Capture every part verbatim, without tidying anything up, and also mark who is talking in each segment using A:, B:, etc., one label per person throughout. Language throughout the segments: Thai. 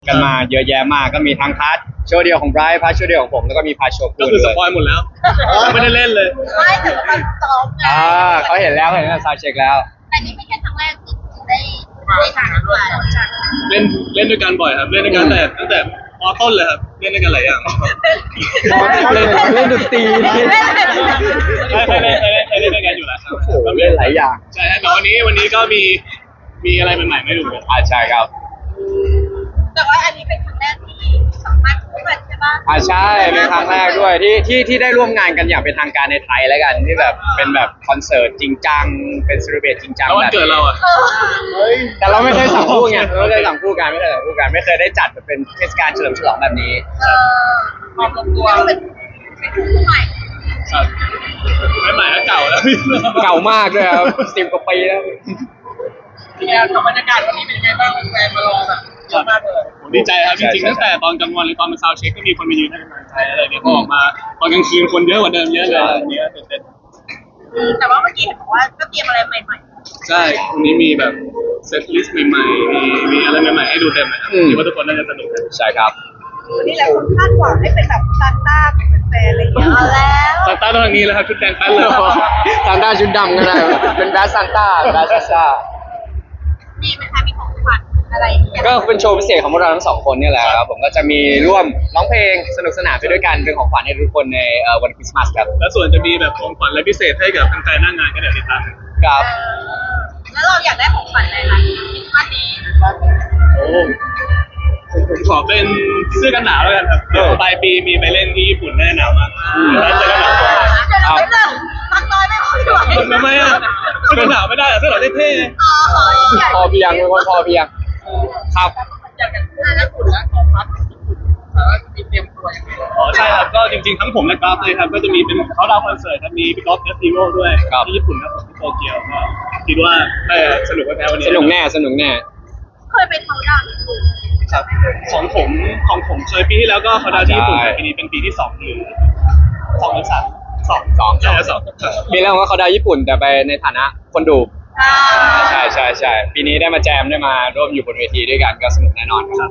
A: กันมาเยอะแยะมากก็มีทั้งพาร์ทโชว์เดียวของไบรท์พาร์ทโชว์เดียวของผมแล้วก็มีพาร์ทโชว์คู่
B: ก็คือสปอยหมดแล้วไม่ได้เล่นเลย
C: ไม่ถือว่ามันซ้อมไง
A: อ่าเขาเห็นแล้วเห็นแล้วซาวเช็คแล้ว
C: แต่นี่ไม่ใช่ครั้งแรกที่ได้ได้ทำด้วย
B: เล่นเล่นด้วยกันบ่อยครับเล่นด้วยกันแต่ตั้งแต่มอต้นเลยครับเล่นด้วยกันหลายอย่าง
A: เล่นเล่นดนตรี
B: ใช่เคยเล่นเคยเล่นเคยเล่นด้วยกันอยู่แล้วครับ
A: โอ้โหเล่นหลายอย่าง
B: ใช่ฮะแต่วันนี้วันนี้ก็มีมีอะไรใหม่ๆไม่ดูเลย
A: อ่าใช่ครับ
C: แต่ว่าอันนี้เป็นครั้งแรกที่สัมภาษณ์คู่กันใช่ปะ
A: อ่าใช่เป็นครั้งแรกด้วยที่ที่ที่ได้ร่วมงานกันอย่างเป็นทางการในไทยแล้วกันที่แบบเป็นแบบคอนเสิร์ตจริงจังเป็นเซเลบรตจริงจัง
B: แล้ววัน
A: แบบ
B: เกิดเราอ่ะ
C: เออ
A: แต่เราไม่เคยสั่งคู่ไงเราไม่เคยสั่งคู่กันไม่เคยสั่งคู่กันไม่เคยได้จัดแบบเป็นเทศกาลเฉลิมฉลองแบบนี้
C: เออความลงตัวเป็นเป็นคู่ใหม่
B: ครับไม่ใหม่แล้วเก่าแล้ว
A: เก่ามากด้วยครับสิบกว่าปีแล้ว
C: เป็นไงกับบรรยากาศวันนี้เป็นยังไงบ้างแฟนมารอแบบเยอะมากเลย
B: ผมดีใจครับจริงๆตั้งแต่ตอนกลางวันหรือตอนมาซาวเช็คก็มีคนมายืนให้กำลังใจอะไรเนี่ยพอออกมาตอนกลางคืนคนเยอะกว่าเดิมเยอะเลยอันนี้ตื่นเต้น
C: แต่ว่าเมื่อกี้เห็นบอกว่าก็เตรียมอะไรใหม่
B: ใช่วันนี้มีแบบเซตลิสต์ใหม่ๆมีมีอะไรใหม่ๆให้ดูเต็มเลยครับคิดว่าทุกคนน่าจะสนุกกัน
A: ใช่ครับ
C: ๆวันนี้หลายคนคาดหวังให้เป็นแบบซานต้าเป็นแฟนอะไรอย่างเงี้ยเอาแล้ว
B: ซานต้าต้องทางนี้แล้วครับชุดแดงแป๊ดเลย
A: ซานต้าชุดดำก็ได้เป็นแบสซานต้าแบสซาซ่า
C: มีไหมคะมีของขวัญอะไรอย่างเงี้ย
A: ก็เป็นโชว์พิเศษของพวกเราทั้งสองคนเนี่ยแหละครับผมก็จะมีร่วมร้องเพลงสนุกสนานไปด้วยกันเป็นของขวัญให้ทุกคนในเอ่อวันคริสต์มาสครับ
B: แล้วส่วนจะมีแบบของขวัญอะไรพิเศษให้กับแฟนๆหน้างานก็เดี๋ยวติดตาม
A: ครับ
C: เออแล้วเราอยากได้ของขวัญอะไรล่ะวันนี้
B: โอ้ผมขอเป็นเสื้อกันหนาวแล้วกันครับเดี๋ยวปลายปีมีไปเล่นที่ญี่ปุ่นแน่หนาวมากแล้วเสื้อกันหนาว
C: เดี๋ยวเราไม่เลิกพักน้อยไม่ค่อยไหว
B: ทำไมอ่ะเสื้อกันหนาวไม่ได้เหรอเสื้อหนาวเท่
C: อ๋ออยาก
A: พอเพียงเป็นคนพอเพียงครับ
C: อยากจะพูดแล้วคุณแล้วของพักแต่ว่ามีเตรียมตัวยังไง
B: ๆอ๋อใช่ครับก็จริงๆทั้งผมและกราฟเลยครับก็จะมีเป็นเขาดาวคอนเสิร์ตครับมีพี่กอล์ฟเอฟซีโร่ด้วยที่ญี่ปุ่นครับผมที่โตเกียวก็คิดว่าน่าจะสนุกแน่วันนี้
A: สนุกแน่สนุกแน่
C: เคยไปเขาดาวน์ญี่ปุ่น
B: ครับของผมของผมเคยปีที่แล้วก็เขาดาวที่ญี่ปุ่นแต่ปีนี้เป็นปีที่สองหรือสองหรือสามสอง
A: สอง
B: ใช่สอง
A: ปีแรกผมก็เขาได้ญี่ปุ่นแต่ไปในฐานะคนดู
C: อ่า
A: ใช่ใช่ใช่ปีนี้ได้มาแจมได้มาร่วมอยู่บนเวทีด้วยกันก็สนุกแน่นอนครับ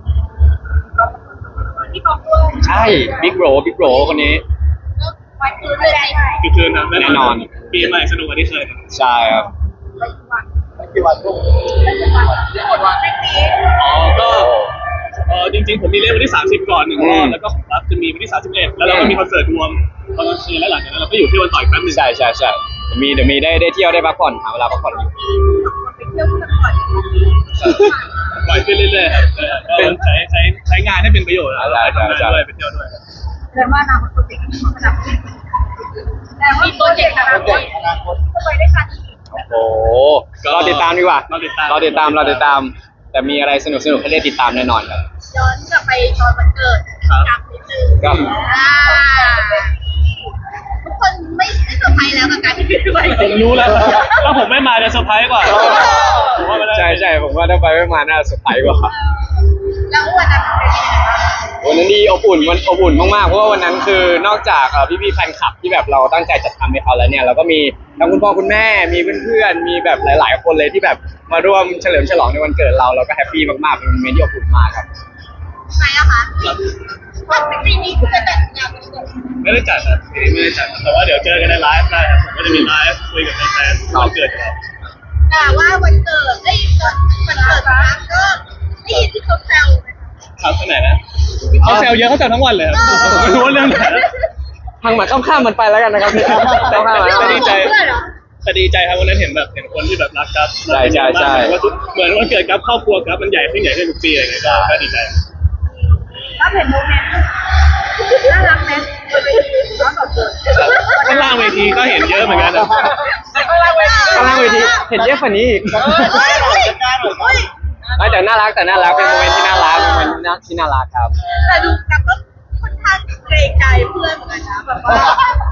C: ที่กองด้วย
A: ใช่บิ๊กโรบิ๊กโรคนนี้
C: ไปคืนเลย
B: คือคืนนะ
A: แน่นอน
B: ปีใหม่สนุกกว่าที่เคย
A: ใช่ครับ
C: กี่วันลูกกี่วันกี่วันไม่ปี
B: อ๋อก็เออจริงๆผมมีเล่นวันที่สามสิบก่อนหนึ่งรอบแล้วก็ของรับจะมีวันที่สามสิบเอ็ดแล้วเราก็มีคอนเสิร์ตรวมตอนกลางคืนแล้วหลังจากนั้นเราก็อยู่ที่วันต่อยแป๊บนึง
A: ใช่ใช่ใช่เดี๋ยวมีเดี๋ยวมีได้ได้เที่ยวได้พักผ่อนหาเวลาพักผ่อนอยู่
C: ไปเที่ยวกันก่อน
B: ปล่อยขึ้นเรื่อยๆครับก็ใช้ใช้ใช้งานให้เป็นประโยชน์แล้วไปทำงานด้วยไปเที่ยวด้วย
C: เรียกว่านาคตโปรเจกต์ระดับแต่ว่าโปรเจกต์อนาคตจะไปได้กันอีก
A: โอ้โหรอติดตามดีกว่า
B: เราติดตาม
A: รอติดตามรอติดตาม แต่มีอะไรสนุกสนุกให้ได้ติดตามแน่นอนครับ
C: ย้อนกลับไปตอนวันเกิดกลับนิดนึง
A: ก็
C: อ่าทุกคนไม่ไม่เซอร์ไพรส์แล้วกับการที่พี่ไป
B: ผมรู้แล้วถ้าผมไม่มาจะเซอร์ไพรส์กว่าผมว่ามัน
A: ใช่ใช่ผมว่าถ้าไปไม่มาน่าเซอร์ไพรส์กว่า
C: แล้ววันนั้นเป็นยังไงบ้าง
A: วันนั้นดีอบอุ่นมันอบอุ่นมากๆเพราะว่าวันนั้นคือนอกจากเอ่อพี่ๆแฟนคลับที่แบบเราตั้งใจจัดทำให้เขาแล้วเนี่ยเราก็มีทั้งคุณพ่อคุณแม่มีเพื่อนๆมีแบบหลายๆคนเลยที่แบบมาร่วมเฉลิมฉลองในวันเกิดเราเราก็แฮปปี้มากๆเป็นโมเมนต์ที่อบอุ่นมากครับ
C: ไหนอะคะว่าปีนี้คุณจะจัดงานวันเกิด
B: ไม่ได้จัดนะปีนี้ไม่ได้จัดแต่ว่าเดี๋ยวเจอกันในไลฟ์ได้ครับผมก็จะมีไลฟ์คุยกับแฟนๆวันเกิดเรา
C: แต่ว่าวันเกิดได้ตอนวันเกิดครั้งก็ได้ยินที่เขาแซว
B: ครับที่ไหนนะเขาแซวเยอะเขาแซวทั้งวันเลยครับผมไม่รู้ว่าเรื่องไหน
A: ทางหมาข้ามๆมันไปแล้วกันนะครับพี่ข้ามๆ
C: เรื่อง
A: มัน
B: ดีใจ
C: เพื่อนเหรอ
B: แต่ดีใจครับวันนั้นเห็นแบบเห็นคนที่แบบรักครับ
A: ใช่ใช่ใช่
B: ว่าทุกเหมือนวันเกิดครับครอบครัวครับมันใหญ่ขึ้นใหญ่ขึ้นทุกปีอะไรเงี้ยก็ก็ดีใจ
C: ถ้าเห็นโมเมนต์น่ารักไหมบนเวทีร้อนสดเกิด
B: ข้างล่างเวทีก็เห็นเยอะเหมือนกันนะ
C: ข้างล่างเวที
A: ข้างล่างเวทีเห็นเยอะกว่านี้อีก
C: เฮ้ยเฮ้ยเฮ้ย
A: ไม่แต่น่ารักแต่น่ารักเป็นโมเมนต์ที่น่ารักเป็นโมเมนต์ที่น่ารักครับ
C: แต่ดูกับก็ค่อนข้างเกรงใจเพื่อนเหมือนกันนะแบบว่า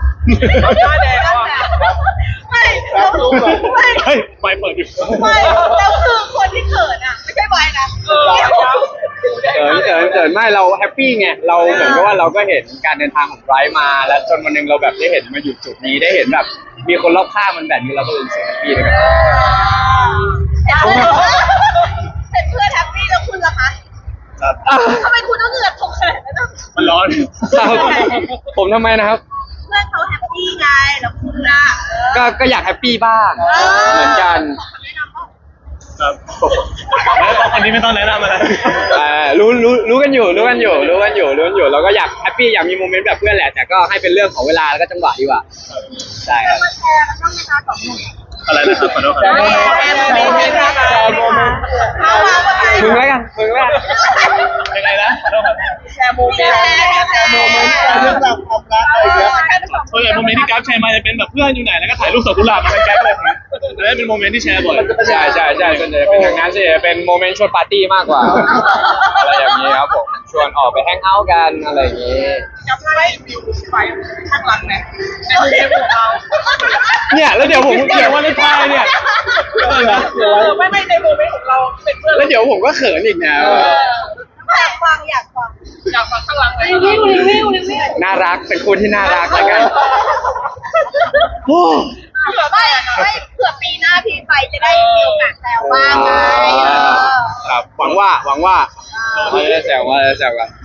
C: ไม่เราไม่
B: เฮ้ยไฟเปิดอยู่
C: ไม่แล้วคือคนที่เขินอ่ะไม่ใช่บอยนะ
A: เกินเกินเกินไม่เราแฮปปี้ไงเราเหมือนกับว่าเราก็เห็นการเดินทางของไบรท์มาแล้วจนวันหนึงเราแบบได้เห็นมาอยู่จุดนี้ได้เห็นแบบมีคนรอบข้างมันแบบนี้เราก็รู้สึกแฮปปี้เลยครับ
C: เห็นเพื่อนแฮปปี้แล้วคุณล่ะคะ
B: ครับ
C: ทำไมคุณต้องเหงื่อตกขนาดนั้น
B: มันร้อน
A: ครับผมทำไมนะครับ
C: เพื่อนเขาแฮปปี้ไงแล้วคุณล่ะ
A: ก็ก็อยากแฮปปี้บ้างเหมือนกัน
C: แนะนำว่า
B: ครับแล้วตอนนี้ไม่ต้องแนะนำอะไร
A: อ่ารู้รู้รู้กันอยู่รู้กันอยู่รู้กันอยู่รู้กันอยู่เราก็อยากแฮปปี้อยากมีโมเมนต์แบบเพื่อนแหละแต่ก็ให้เป็นเรื่องของเวลาแล้วก็จังหวะดีกว่าใช่ครับ
C: มาแชร์กันบ้างไหมคะสองหนุ่ม
B: อะไรนะครับขอโทษค
C: แช
B: รับ
C: ร์โมเมนต์แชร์โมเมนต์เอามา
A: มึงแล้วกันมึงแล้วกัน
B: ยังไงนะขอโทษครับ
C: แชร์โมเมนต์แชร์โมเมนต์แชร์เรื่องราวความรักอะไรเงี้ย
B: ส่วนใหญ่โมเมนต์ที่กราฟแชร์มาจะเป็นแบบเพื่อนอยู่ไหนแล้วก็ถ่ายรูปดอกกุหลาบมาเป็นแก๊ปเลยครับอันนั้นเป็นโมเมนต์ที่แชร์บ่อย
A: ใช่ใช่ใช่ส่วนใหญ่เป็นอย่างนั้นสิเป็นโมเมนต์ชวนปาร์ตี้มากกว่าอะไรอย่างนี้ครับผมชวนออกไปแฮงเอาท์กันอะไรอย่างนี้
C: จำได้วิวไปข้างหลังไหมเป็นเรื่องของเรา
A: เนี่ยแล้วเดี๋ยวผมเดี๋ยววันท้ายเนี่ย
C: ไม่ไม่ในโมเมนต์ของเราเป็นเพื่อน
A: แล้วเดี๋ยวผมก็เขินอีกนะ
C: อยากฟังอยากฟังอยากฟังข้างหลังเลยรีวิวรีวิวรีวิว
A: น่ารักเป็นคู่ที่น่ารักแล้วกันโอ้
C: เผื่อไม่ไม่เผื่อปีหน้าพี่ไปจะได้มีโอกาสแซวบ้างไง
A: ครับหวังว่าหวังว่าเราจะได้แซวว่าจะแซวกัน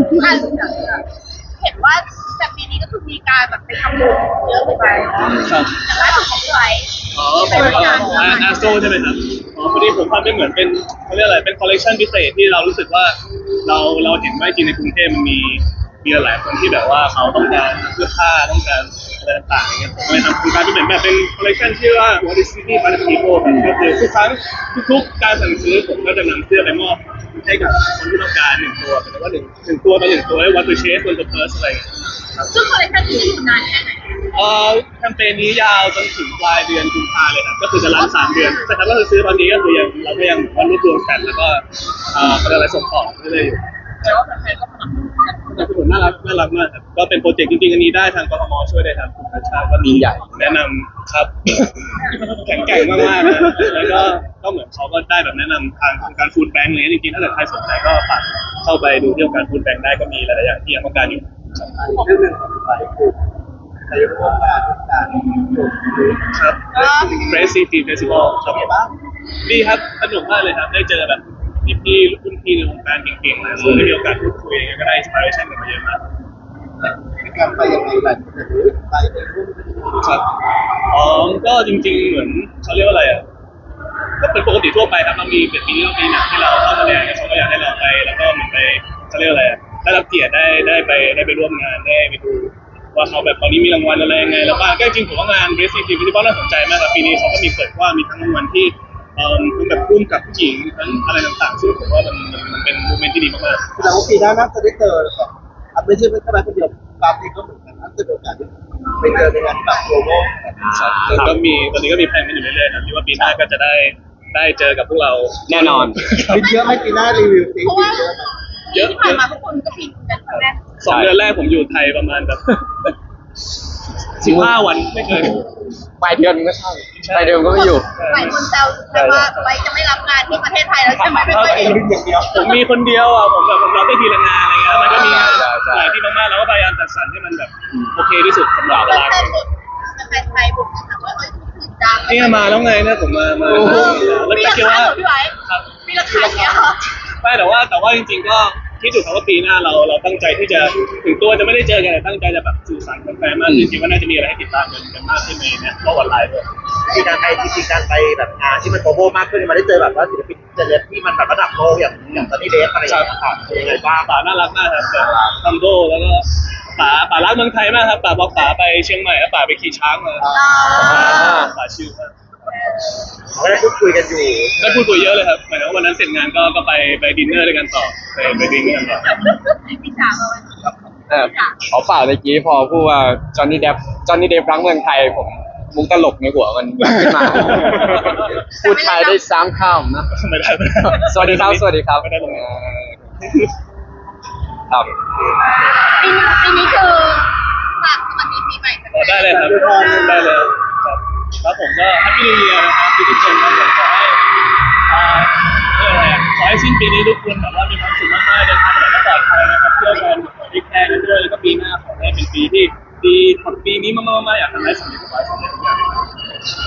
C: เห็นว่าแต่ปีนี้ก็คือมีการแบบไปทำบุญเยอะไปแต่ล่าสุดของพี่ไว้
B: อ๋อผมก็อาอาโซใช่ไหมครับอ๋อพอดีผมทำเป็นเหมือนเป็นเขาเรียกอะไรเป็นคอลเลกชันพิเศษที่เรารู้สึกว่าเราเราเห็นว่าจริงในกรุงเทพมันมีมีหลายคนที่แบบว่าเขาต้องการเสื้อผ้าต้องการอะไรต่างๆอย่างเงี้ยผมเลยทำโครงการที่เหมือนแบบเป็นคอลเลกชันชื่อว่า What is City by the People ก็คือทุกครั้งทุกๆการสั่งซื้อผมก็จะนำเสื้อไปมอบให้กับคนที่ต้องการหนึ่งตัวแต่ว่าหนึ่งหนึ่งตัวต่อหนึ่งตัวให้วัตถุเชสวัตถุเพิร์สอะไรอย่างเงี้ย
C: ซึ่งคอลเลคชันที่อยู่นานแค่ไหน
B: เอ่อแคมเปญนี้ยาวจนถึงปลายเดือนกุมภาเลยครับก็คือจะรันสามเดือนแต่ถ้าเราซื้อตอนนี้ก็คือยังเราก็ยังวันรวบรวมกันแล้วก็เอ่อเป็นอะไรส่งต่อเรื่อยๆอยู่
C: แต่ว่าแฟนๆก็สนับสนุนกัน
B: แต่ทุกคนน่ารักน่ารักมากครับก็เป็นโปรเจกต์จริงๆอันนี้ได้ทางกทมช่วยได้ครับคุณพัชชาก็มีแนะนำครับ แข็งแกร่งมากๆนะแล้วก็ก็เหมือนเขาก็ได้แบบแนะนำทางองค์การฟู้ดแบงค์เลยจริงๆถ้าเกิดใครสนใจก็ฝากเข้าไปดูที่องค์การฟู้ดแบงค์ได้ก็มีหลายๆอย่างที่ยังต้องการอยู่
D: เรื่องหนึ่งของไปคือในร่วมงานการจุดหรือ
B: ครับ Grace City Festival ครับ
D: ไงบ้าง
B: ดีครับสนุกมากเลยครับได้เจอแบบพี่ๆรุ่นพี่ในวงการเก่งๆเลยซึ่งได้มีโอกาสพูดคุยอะไรเงี้ยก็ได้อินสปิเรชันกันมาเยอะมาก
D: ในการไปยังไงหลายคนจะรู้ไปในร่วม
B: ครับอ๋อก็จริงๆเหมือนเขาเรียกว่าอะไรอ่ะก็เป็นปกติทั่วไปครับเรามีเป็นปีนี้เรามีหนังที่เราเข้าแสดงเขาก็อยากให้เราไปแล้วก็เหมือนไปเขาเรียกว่าอะไรอ่ะได้รับเกียรติได้ได้ไปได้ไปร่วมงานได้ไปดูว่าเขาแบบตอนนี้มีรางวัลอะไรยังไงแล้วก็ก็จริงๆผมว่างาน Grace City Festival น่าสนใจมากครับปีนี้เขาก็มีเปิดกว้างมีทั้งรางวัลที่เอ่อทั้งแบบร่วมกับผู้หญิงทั้งอะไรต่างๆซึ่งผมว่ามันมันมันเป็นโมเมนต์ที่ดีมากๆ
D: แสดงว่าปีหน้าน่าจะได้เจอแบบอ่ะไม่ใช่ไม่ใช่แค่คนเดียวกราฟเองก็เหมือนกันน่าจะมีโอกาสได้ไปเจอในงานที่แบบโลโก้
B: ครับก็มีตอนนี้ก็มีแผนกันอยู่เรื่อยๆนะที่ว่าปีหน้าก็จะได้ได้เจอกับพวกเรา
A: แน่นอน
D: มีเยอะไหม่ปีหน้ารีวิวสิ
C: เพราะว่า
B: เยอะ
C: ที่ผ่านมาทุกคนก็บินกันครั้งแรก
B: สองเดือนแรกผมอยู่ไทยประมาณแบบสิบห้าวันไม่เคย
A: ปลายเดือนก็ใช่ปลายเดือนก็ไม่อยู่
C: หลายคนแซวใช่ว่าไว้จะไม่รับงานที่ประเทศไทยแล้วใช่ไหมไม่ค่อย
D: เอ
C: เห็
D: ง
C: น
D: อย่างเดียว
B: ผมมีคนเดียวอ่ะผมแบบผมรับได้ทีละงานอะไรเงี้ยมันก็มีงาน
A: ใช่ใช่
B: หลายที่มากๆแล้วก็พยายามจัดสรรให้มันแบบโอเคที่สุดสำหรับ
C: แฟ
B: เวลาน
C: ๆบุกแฟนไทยบุกนะคะว่าเอ้ยถึงจัง
B: นี่มาแล้วไงเนี่ยผมมามา
C: เออ
B: แล้ว
C: มี
B: แต่
C: รา
B: คิด
C: คา
B: ว่า
C: เหรอพี่ไว้
B: ครับ
C: มีราคาเนี้ยเหรอ
B: ไม่แต่ว่าแต่ว่าจริงๆก็คิดอยู่ครับว่าปีหน้าเราเราตั้งใจที่จะถึงตัวจะไม่ได้เจอกันแต่ตั้งใจจะแบบสื่อสารกันแฟนมากขึ้นจริงๆว่าน่าจะมีอะไรให้ติดตามกันกันมากขึ้นในเนี่ยเพราะวันไลฟ์ด้วย
D: ที่การไปจริงๆการไปแบบงานที่มันโกลบอลมากขึ้นมาได้เจอแบบว่าศิลปินเจเลสที่มันแบบระดับโลกอย่างอย่างตอนนี้เดฟอะไรอย่างเงี้ยครับเป็นยังไงบ้าง
B: ป๋าน่ารักมากครับแบบทัมโดแล้วก็ป๋าป๋ารักเมืองไทยมากครับป๋าบอกป๋าไปเชียงใหม่แล้วป๋าไปขี่ช้างมาป๋าชื่อมาก
D: เขาได้พูดคุยกันอยู่
B: ได้พูดคุยเยอะเลยครับหมายถึงว่าวันนั้นเสร็จงานก็ก็ไปไปดินเนอร์ด้วยกันต่อไปไปดื่มด้วยกันต่อ
C: พี่จ๋าเอาไว้
A: เออขอเปล่าเมื่อกี้พอพูดว่าจอห์นนี่เดฟจอห์นนี่เดฟรักเมืองไทยผมมุกตลกในหัวมันขึ้นมา พูดไทยได้สามคำนะ
B: ไม่ได้ไม่ได้
A: สวัสดีครับสวัสดีครับ
B: ไม่ได้ลง
A: เออครับ
C: ปีนี้ปีนี้คือฝากสวัสดีปีใหม่กัน
B: อ๋อได้เลยครับได้เลยครับแล้วผมก็แฮปปี้นิวเยียร์นะครับทุกคนครับผมขอให้อ่าเรียกอะไรอ่ะขอให้สิ้นปีนี้ทุกคนแบบว่ามีความสุขมากๆเดินทางไปไหนก็ปลอดภัยนะครับเที่ยวกันขอให้แคร์กันด้วยแล้วก็ปีหน้าขอให้เป็นปีที่ดีกว่าปีนี้มากๆๆอยากทำให้สำเร็จทุกอย่าง
A: ครับผม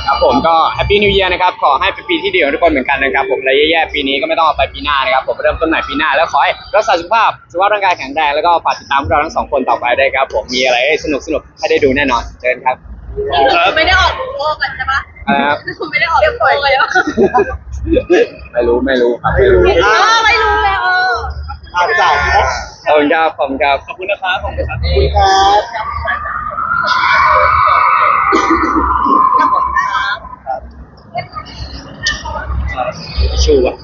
A: ก็แฮปปี้นิว e ียร์นะครับขอให้เป็นปีที่ดีของทุกคนเหมือนกันนะครับผมอะไรแย่ๆปีนี้ก็ไม่ต้องเอาไปปีหน้านะครับผมเริ่มต้นใหม่ปีหน้าแล้วขอให้รักษาสุขภาพสุขภาพร่างกายแข็งแรงแล้วก็ฝากติดตามพวกเราทั้งสองคนต่อไปได้วยครับผมมีอะไรให้สนุกสนุกให้ได้ดูแน่นอนเชิญครับ
C: ไม่ได้ออกโลกกันใช่ปะ
A: ครับ
C: ไม่ได้ออกโลกเลยปะ
A: ไม่รู้ไม่รู้ครับไม่รู้
C: เออไม่รู้แล้วเออ
D: อาจารย์ครับ
A: ขอบคุณครับขอบคุณครับ
B: ขอบคุณนะครับขอบคุณครับ
D: คุณครับ
A: ชูอ่ะ